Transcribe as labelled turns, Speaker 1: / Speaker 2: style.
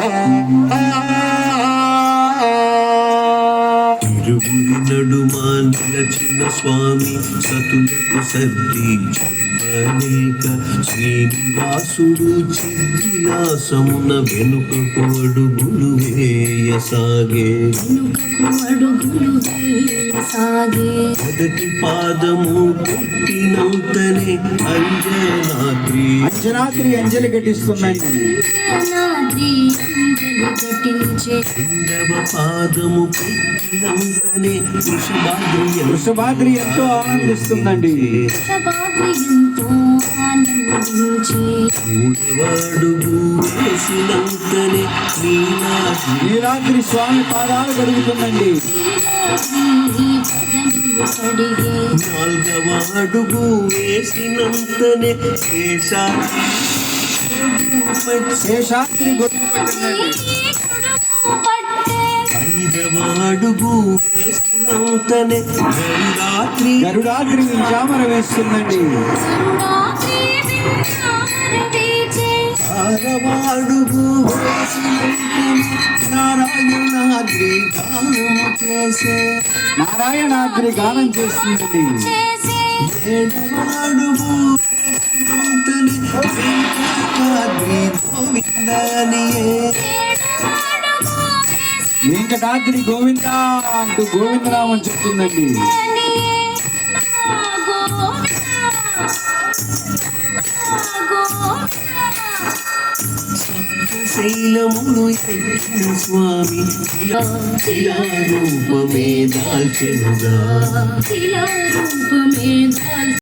Speaker 1: ఇరువురి నడుమా నిలచిన స్వామి సతులకు సర్ది చెప్పలేక శ్రీనివాసుడు చిద్విలాసమున వెనుకకు అడుగులు వేయసాగే మొదటి పాదము పెట్టినంతనే
Speaker 2: అంజనాద్రి అంజలి ఘటిస్తుందండి.
Speaker 1: రెండవ పాదము పెట్టినంతనే
Speaker 2: వృషభాద్రి ఎంతో ఆనందిస్తుందండి.
Speaker 1: మూడవ అడుగు వేసినంతనే
Speaker 2: నీలాద్రి స్వామి పాదాలు కడుగుతుందండి.
Speaker 1: నాలుగవ అడుగు వేసినంతనే
Speaker 2: శేషాద్రి గొడుగు పట్టిందండి.
Speaker 1: ఐదవ అడుగు వేసినంతనే
Speaker 2: గరుడాద్రి వింజామర వేస్తుందండి.
Speaker 1: ఆరవ అడుగు నారాయణాద్రి గానం చేసే
Speaker 2: నారాయణాద్రి గానం చేస్తుందండి.
Speaker 1: ఏడవ అడుగు వెంకటాద్రి గోవిందనియే
Speaker 2: వెంకటాద్రి గోవింద అంటూ గోవిందనామం చెప్తుందండి.
Speaker 1: శైలములు ఎక్కిన స్వామి రూపమే దాల్చెనుగా